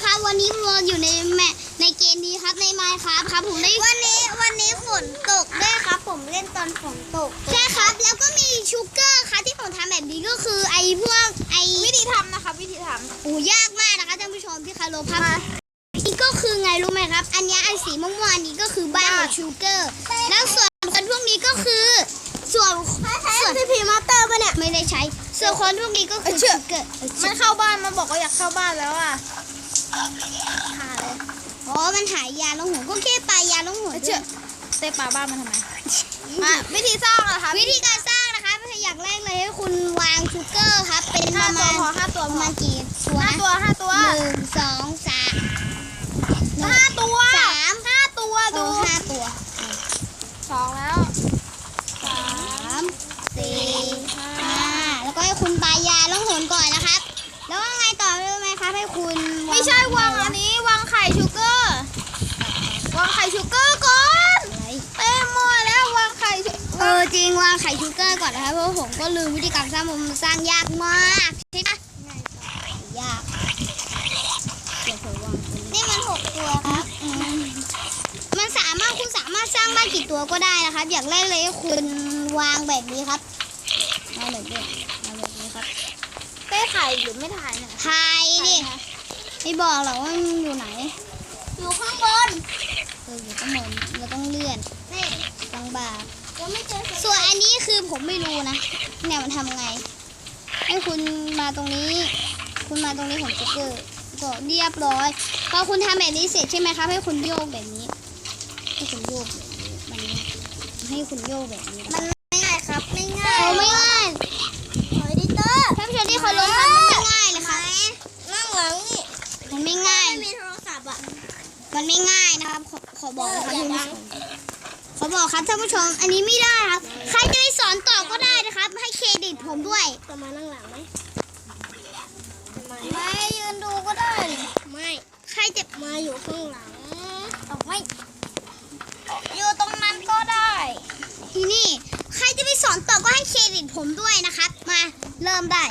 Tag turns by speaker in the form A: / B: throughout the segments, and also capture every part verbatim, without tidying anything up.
A: ครับวันนี้เราอยู่ในแมในเกมนี้ครับในไมค์ครับครับผมได้
B: วันนี้วันนี้ฝนตกด้วยครับผมเล่นตอนฝนตก
A: ใช่ครับแล้วก็มีชูเกอร์ครับที่ผมทำแบบนี้ก็คือไอ้พวกไอ้
B: วิธีทำนะคะวิธีท
A: ำโอ้ยากมากนะคะท่านผู้ชมที่คารพครับนี่ก็คือไงรู้ไหมครับอันนี้ไอ้สีม่วงๆนี้ก็คือบ้านของชูเกอร์แล้วส่วนคนพวกนี้ก็คือส่วน
B: ส่วนพีมาสเตอร์ป่ะเนี่ย
A: ไม่ได้ใช้ส่วนคนพวกนี้ก็คือชูเกอร์
B: มันเข้าบ้านมันบอกว่าอยากเข้าบ้านแล้วอ่ะหาเลย
A: อ๋อมันหายยาลงหัวก็แค่ปลายาลงหัว
B: เชื่อเตะปลาบ้านมันทำไมมาวิธีสร้างนะคะ
A: วิธีการสร้างนะคะอย่างแรกเลยให้คุณวางชูเกอร์ครับเป็นประมาณ
B: ห้าตัว
A: ประมาณกี่ตัว
B: ห้าตัวห้าตัว
A: หนึ่งสองสาม
B: ห้าตัว
A: สาม
B: ห้าตัวดู
A: ห้าตัว
B: สองแล้ว
A: สามสี่ห้าแล้วก็ให้คุณปลายาลงหัวก่อนนะครับแล้วว่าไงต่อรู้ไหมครับให้คุณ
B: ไม่ใช่วางอันนี้วางไข่ชูเกอร์วางไข่ชูเกอร์ก่อนเต็มหมดแล้ววางไข่
A: เออจริงวางไข่ชูเกอร์ก่อนนะครับเพราะผมก็ลืมวิธีการสร้างมันสร้างยากมากใช่ไหมยากนี่มันหกตัวครับมันสามารถคุณสามารถสร้างบ้านกี่ตัวก็ได้นะครับอย่างแรกเลยคุณวางแบบนี้ครับมาแบบนี้มาแบบนี้ครับ
B: ได้ถ่ายหรือไม่ถ่ายเนี่ย
A: ถ่ายดิไม่บอกหรอกว่ามันอยู่ไหน
B: อยู่ข้างบน
A: เอออยู่ข้างบนเราต้องเลื่อน
B: นี่
A: บางบา
B: ยังไม่เจอ
A: ส่วนอันนี้คือผมไม่รู้นะเนี่ยมันทำไงให้คุณมาตรงนี้คุณมาตรงนี้ของจ็กเกอร์ก็เรียบร้อยพอคุณทำแบบนี้เสร็จใช่ไหมครับให้คุณโยกแบบนี้ให้คุณโยกแบบนี้มันให้คุณโยกแบบนี้
B: มันไม่ง่ายครับไม่ง่าย
A: ไม่ง่าย
B: เฮ้ยดิเตอร์
A: ท่านผู้ชมที่เคารพครับมันไม่ง่ายเลยครับ
B: นั่งหลังนี่
A: มันไม่ง่าย
B: ไม่มีโทรศัพท์อ่ะ
A: มันไม่ง่ายนะครับขอขอบอกครับท่านผู้ชมขอบอกครับท่านผู้ชมอันนี้ไม่ได้ครับใครจะไปสอนต่อก็ได้นะครับให้เครดิตผมด้วย
B: จะมานั่งหลังไหมไม่ยืนดูก็ได้ไม่
A: ใครจะ
B: มาอยู่ข้างหลังเอาไม่อยู่ตรงนั้นก็ได้
A: ทีนี่ใครจะไปสอนต่อก็ให้เครดิตผมด้วยนะครับมาเริ่มได้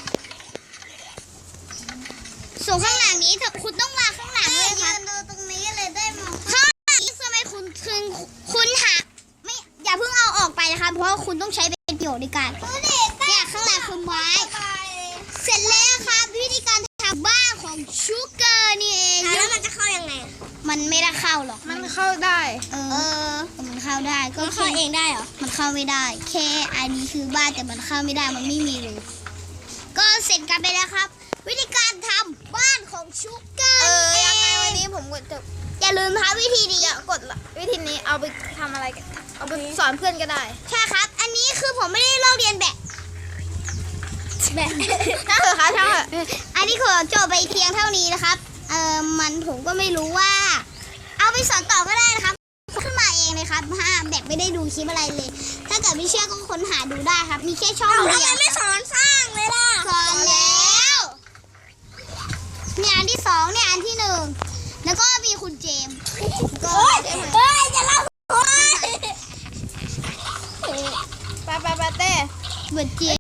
A: ส่วนข้างหลังนี้คุณต้องมาข้างหลังเลยครับ
B: ยืนดูตรงนี้เลยได้มอง
A: ข้างหลังนี้ทำไมคุณคุณคุณหาไม่อย่าเพิ่งเอาออกไปนะครับเพราะคุณต้องใช้เป็นประโยชน์ในการเนี่ยข้างหลังคือไม้เสร็จแล้วครับวิธีการทำบ้านของชูเกอร์นี่เอง
B: แล้วมันจะเข้ายังไง
A: มันไม่ได้เข้าหรอก
B: มันเข้าได้
A: เออมันเข้าได้ก็
B: เข้าเองได้เหรอ
A: มันเข้าไม่ได้แค่อันนี้คือบ้านแต่มันเข้าไม่ได้มันไม่มีเลยก็เสร็จกันไปแล้วครับวิธีการทำบ้านของชูเกอร์
B: เออยังไงวันนี้ผมกดจบ
A: อย่าลืมทำวิธีนี้
B: อย่ากดวิธีนี้เอาไปทำอะไรกันเอาไปสอนเพื่อนก็ได้
A: ใช่ครับอันนี้คือผมไม่ได้ลอกเรียนแบบ
B: แบบช่างเถอะค่ะช่างเถอะ
A: อันนี้ขอจบไปเพียงเท่านี้นะครับเออมันผมก็ไม่รู้ว่าเอาไปสอนต่อก็ได้นะครับขึ้นมาเองเลยครับฮะแบบไม่ได้ดูคลิปอะไรเลยถ้าเกิดไม่เชื่อก็ค้นหาดูได้ครับมีแค่ช่อง
B: เดียวไม่สอนสร้างเลยล่ะ
A: สอนแล้วเนี่ยอันที่สองเนี่ยอันที่หนึ่งแล้วก็มีคุณเจมก็
B: เฮ้ยจะเล่าไปไปไปเต้
A: เหมือนเจ